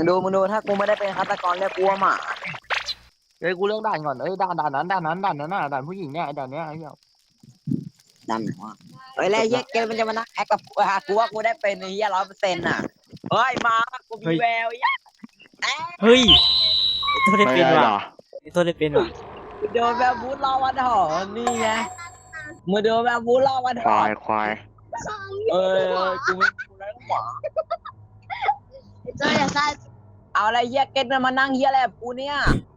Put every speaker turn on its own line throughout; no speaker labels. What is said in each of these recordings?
มึงดูถ้ากูไม่ได้เป็นฆาตกรเรียกกูว่าหมา
เฮ้ยกูเลือกด่านก่อนเอ้ยด่านนั้นด่านน่ะด่านผู้หญิงเนี่ยด่านเนี้ยไอ้เหี้ย
ดันวะเฮ้ยแล้วเหี้ยเกมมันจะมานั่งแอคกับกูกูว่ากูได้เป็นไอ้เหี้ย100%อ่ะเฮ้ยมากูมีแววเหี้ย
เฮ้ยตัวได้เป็น
ไม่ได้
ว่ะ
หรอ
ตัวได้เป็นว่ะ
โดนแบบบูทรอวันหอนนี่ไงมึงโดนแบบบูทรอวันห
ควา
อน
ยควาย
กูไม่กูได้หมา
这也在
เอาอะไรเหี้ยเกตมันมานั่งเหี้ยอะไรกับกูเนี่ย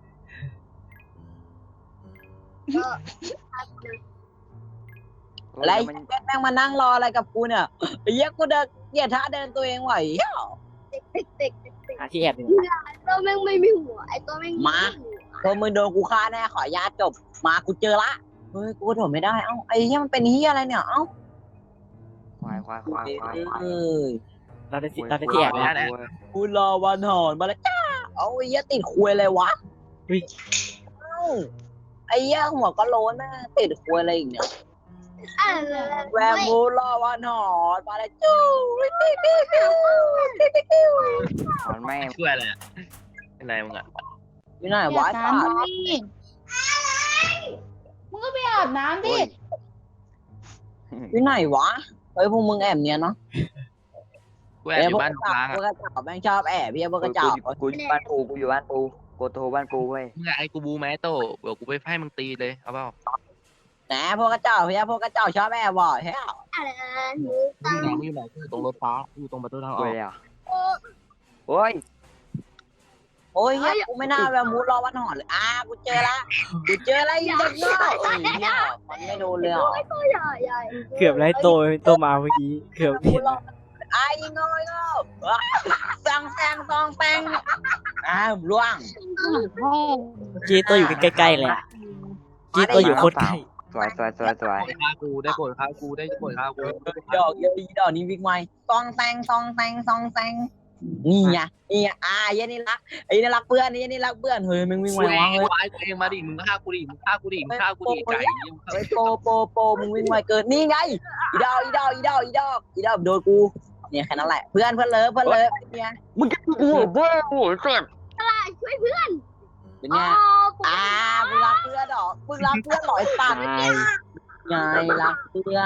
อะไรเหี้ยเกตแม่งมานั่งรออะไรกับกูเนี่ยไอ้เหี้ยกูเดินเหยียดท่าเดินตัวเองไหวเหี้ย
ติ๊ก
หาที่แอบอยู่
ตัวแม่งไม่มีหัวไอตัวแม่ง
ตัวมึงโดนกูฆ่าแน่ขออนุญาตจบมากูเจอละเฮ้ยกูกระโดดไม่ได้เอ้าไอ้เหี้ยมันเป็นเหี้ยอะไรเนี่ยเอ้า
ควายควายควายควาย
เอ้ย
เราได้ที่แอบแล้ว
กูรอวันหอนมาแล้วจ้าเอาไอ้เหี้ยติดคุยเลยวะ
เฮ้ย
เอ้าไอ้เหี้ยหัวก็โล้นแม่ติดคุยอะไรอีกเนี่ยแวร์มูรอวันหอนมาแล้วจู้ปิ้ว
มันไม่
ช่วยอะไรอ่ะเป็นไรมึงอ่ะ
อยู่ไหนวะ
น้ำดิมึงก็ไปอาบน้ำดิ
อยู่ไหนวะเฮ้ยพวกมึงแอบเนียนเนาะ
กูแอบอยู่บ้าน
พวก
ค้าง
ก
อ่ะ
ระเจ้าแม่งชอบแอบพี่พวกกระเจ้า
กูอยู่บ้านปูกูอยู่บ้านปูกูโทรบ้านปูเว้ย
มึงไอ้กูบูแมโต้เดี๋ยวกูไปให้มึงตีเลยเอาเปล่า
แหนพวกกระเจ้าพี่พวกกระเจ้าชอบแอบบ่อยเฮ้ย
อะไร
มึงอยู่ไหนกูอยู่ตรงรถฟ้าอยู่ตรงประตูทางอ
เว้
อก
ยอ่ะโอ้ย
โอ้ยเฮ้ยกูไม่น่าแวร์มูรอวันหอนเลยกูเจอละอีเด็กน้อยเอ้ยเนี่ยมันไม่โดนเลยอ่ะ
ตัวใหญ่ใหญ่
เกือบไล่ตัวมาเมื่อกี้เกือบเห็นนะ
ยิงโง่สังแซงซองแซงล่วง
เมื่อกี้ตัวอยู่ใกล้ๆเลยอะเมื่อกี้ตัวอยู่โคตรใกล้
สวย
ฆ่ากูได้โปรดฆ่ากูได้โปรดฆ่ากู
ดอกเยอะดอกนี้วิ่งไวซองแซงนี่ไงยันนี่รักไอ้นี่รักเพื่อนนี่นี่รักเพื่อนเฮ้ยมึงวิ่งไว
กูเอ
วะ
ง
เฮ้ย
ไอ้กูเองมาดิมึงฆ่ากูดิมึงฆ่ากูดิไก่
เฮ้ยโปมึงวิ่งไวเกินนี่ไงอีดอกโดนกูเนี่ยแค่นั้นแหละเพื่อนเลิฟเนี่ย
มึงจะกูเว้ยโอ้ยเจ็บ
ช่วยเพื่อน
เป็นไงมึงรักเพื่อนหรอมึงรักเพื่อนหรอไอ้สัตว์ไงรักเพื่อน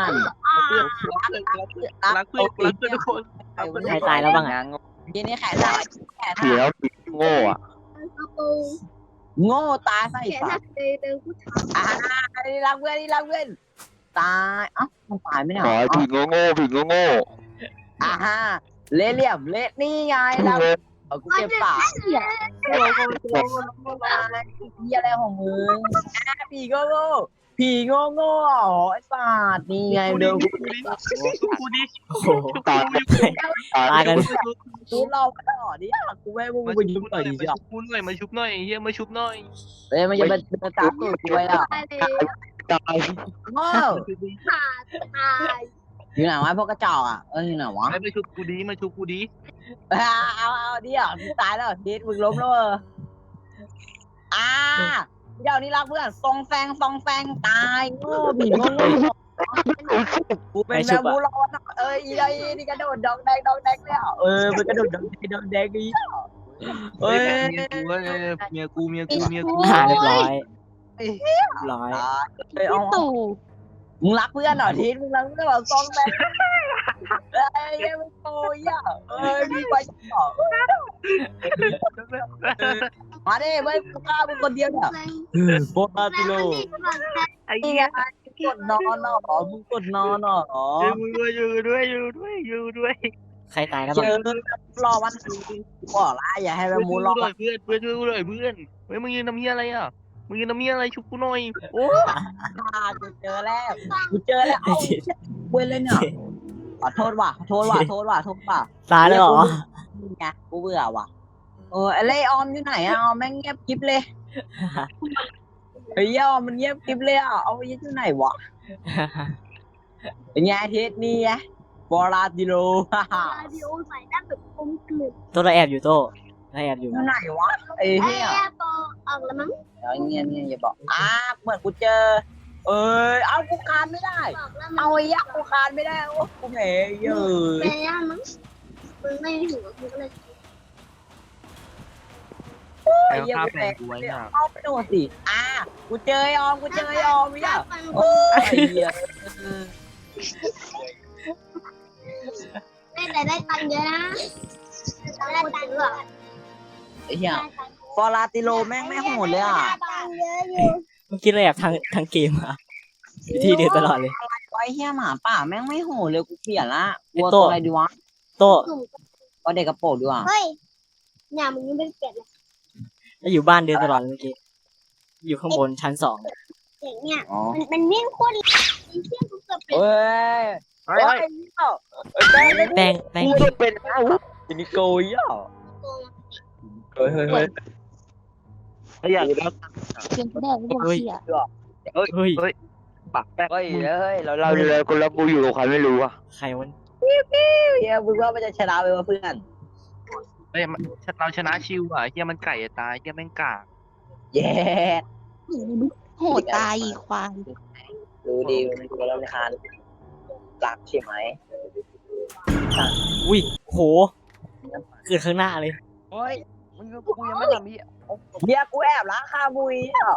รักเพื่อนทุกคน
ใครตายแล้วบ้างอะ
ทีนี้แขนได้แขน
เสียวโง่อ่ะ
โง่ตาใส่
แขน
ปา
หั
ก
กเดินกูถาม
นี่รักเพื่อนตายมันตายไม่ได้
ขอผีโง่
เละเหลี่ยมเละนี่ไงแล้วกูเก็บปากพี่อะไรของมึงผีโง่อ๋อไอ้สัตว์นี่ไงเดิม
กูดิ
โอ้โห
ตาย
ตายกัน
กูเราไปต่อดิกูไม่มึงไปยุ่งหน่อยดิจ้ะ
กูหน่อยมาชุบหน่อยเฮียมาชุบหน่อย
เฮ้ยมันจะเป็นตาตูดกูไปอ่ะ
ตายเลย
ตาย
โง่
ตาย
อยู่ไหนวะพวกกระจอกอยู่ไหนวะ
มาชุบกูดีมาชุบกูดี
เอาดิตายแล้วดิมึงล้มแล้วเดี๋ยวนี้รักเพื่อนซองแฟงตายโง่ผีโง่กูเป็นแมวบูรอดอีนี่กระโดดดองแดงแล้วมันกระโดดดองแดงอีเอ้ย
เมียกู
เรียบร้อย
ตู่
มึงรักเพื่อนเหรอทีมึงรักเพื่อนเหรอซองแฟงมึงโตมีไปต่อมาดิเว้ยกูฆ่ามึงคนเดียวเนี่ยโคตรติโล
ไอ้
นี่
เหี้
ไง
ย
กดนอนมึงกดนอน
อยู่ด้วย
ใครตายแล้ว
เจ
บ้าง
อรอวันบอกละอย่าให้แบบมูรอ
เพื่อนช่วยกูหน่อยเพื่อนเฮ้ยมึงยืนทำเหี้ยอะไรอ่ะมึงยืนทำเหี้ยอะไรชุบกูหน่อยโอ้
กูเจอแล้วเอาเว้นเลยเนี่ยขอโทษว่ะ
ตายแล้วเหรอ
ไงกูเบื่อว่ะไอ้เล่ออมอยู่ไหนออมแม่งเงียบกิ๊บเลยเฮ้ยออมมันเงียบกิ๊บเลยเอาไปอยู่ไหนวะเป็นไงเทสนี่ไงบอราดิโล
เดียวใส่หน้าแบบกลมกลืน
ตัวเราแอบอยู่โต้เราแอบอยู่
อยู่ไหนวะไอ้เหี้ย
ปอออกแล้วมั้ง
เงี้ยอย่าบอกเหมือนกูเจอเอากูคานไม่ได้
บอกแล้ว
เอาไอ้ยักษ์กูคานไม่ได้โอ้กูแหมเยอะ
แม่ย่ามั้งมึงไม่หัวมึงก็เลย
ใคร
เหี้ย
ฆ่า
กู
แฟนกูไว้เนี่ย
เข้าไปโดนสิกูเจอยอมเนี่ยโอ้ยเหี้ย
แต่ได้ตังค์เยอะนะได้ตังค์เยอะ
ไอ้เหี้ยฟอราติโลแม่งไม่โหดเลยอ่ะ
ตังค์เยอะอยู่
เมื่อกี้เลยแบบทางเกมอะอยู่ที่เดียวตลอดเลย
ไอ้เหี้ยหมาป่าแม่งไม่โหดเลยกูเปลี่ยนละกลัว
ไอ้โต้
ตัวอะไรดีวะ
โต้
ก็เด็กกระโปรงดีกว่า
เฮ้ยเนี่ยมึงยังไม่เก็บเลย
แล้วอยู่บ้านเดินตลอดเลยเมื่อกี้อยู่ข้างบนชั้น 2
เด็กเนี่ย
อ๋อ
มันวิ่งโคตรเร็วไอ้เชี่ยกูเกือบเป็น
เฮ้ย
เฮ้ย
แป้ง
แป้ง
กูจะเป็นอินิโกยอ่ะ
โกง
เฮ้ย
ไอ้อยากแล้ว
เพียงแค่กูบอกเชี่ย
เฮ้ย
ปักแป้ง
เฮ้ยเรา
เราเลยคนละกูอยู่กับใครไม่รู้อ่ะ
ใครวัน
เฮียมึงว่ามันจะชนะไปวะเพื่อน
เฮ้ยเราชนะชิวอ่ะเฮียมันไก่ตายเฮียแม่งกาก
เย้
โหดตายอีกควาย
รู้ดีมันตัวเราในคานรักใช่ไหม
อุ้ยโหเกิดข้างหน้าเลย
เฮ้ยมึงกูยังไม่ทำพี่
เฮียกูแอบล้างคาบุยอ่ะ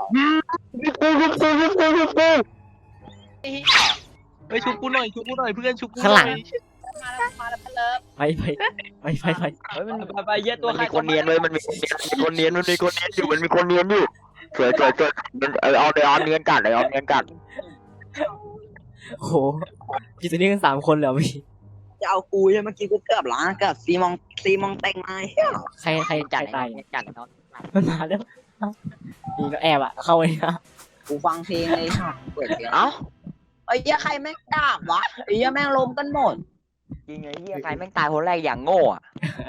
เฮ้ยชุบกูหน่อยเพื่อนชุบกู
ข้างหลัง
มาแล้วเลิฟ
ไป
เฮ้ยมันไปเยอะตัว
มัน
ใคร
มีคนเนียนเลยมันมีคนเนียนอยู่มันมีคนเนียนอยู่สวยเอาเดี๋ยวเอาเนียนกัดเลยเอาเนียนกัด
โหพี่ตัวนี้กัน3 คนเลยเหรอพี่
จะเอากูใช่เมื่อกี้กูเกือบล้างกับซีมองเต็งมา
ใครตายมันมาแล้วนี่ก็แอบอะเข้าไปนะ
กูฟังเพลงเลยค่ะเปิดเพลง
เอ้า
ไอ้เหี้ยใครแม่งดาบวะไอ้เหี้ยแม่งล้มกันหมด
จริงไอ้เหี้ยใครแม่งตายคนแรกอย่างโง่อะ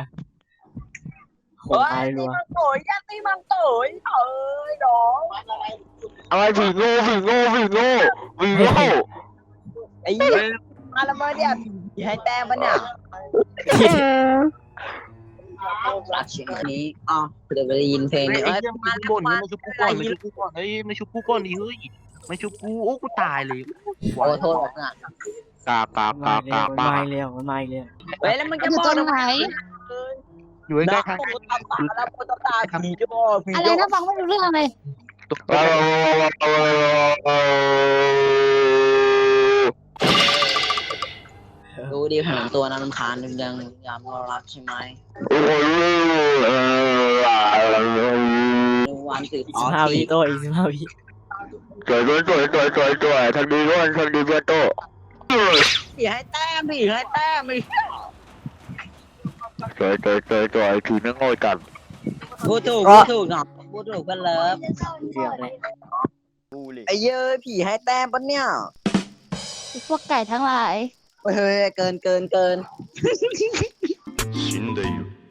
โหตายรัว
โอ้ยยัตีมันโตยเอ้ยน้อง
อะไรผีโง่
ไอ้เหี้ยมาละเมอเนี่ยให้แต้มปะเนี่ยหลักเชียงนี้อ๋อเดี๋ยวไปได้ยินเพลง
ไอ้
นี้
เฮียมันบ่นมาชุบกูก่อนเฮ้ยมาชุบกูก่อนดิเฮ้ยมาชุบกูโอ้กูตายเลย
โอ้โทษอ่ะ
กาก
มาอีกแล้ว
เฮ้ยแล้วมันจะบอกทำไม
อยู่ใกล้ๆทาง
โปตาแล้วโปตาผีจะบอกผี
อะไรนะฟังไม่รู้เรื่องเลย
ดูดิผมตัวนั้นรำคาญยังยามรักใช่ไหมวันสืบอ๋อ
15 วิโต้อีก15 วิ
สวยทางดีเพื่อนโต
ผีให้แต้มผีให้แต้มอีก
สวยผีนั่งโง่กัน
พูดถูกเนาะพูดถูกกันเลิฟ
เกือบเลย
ไอ้เย้ยผีให้แต้มปะเนี่ย
พวกไก่ทั้งหลาย
เฮ้ยเกิน
死んでいる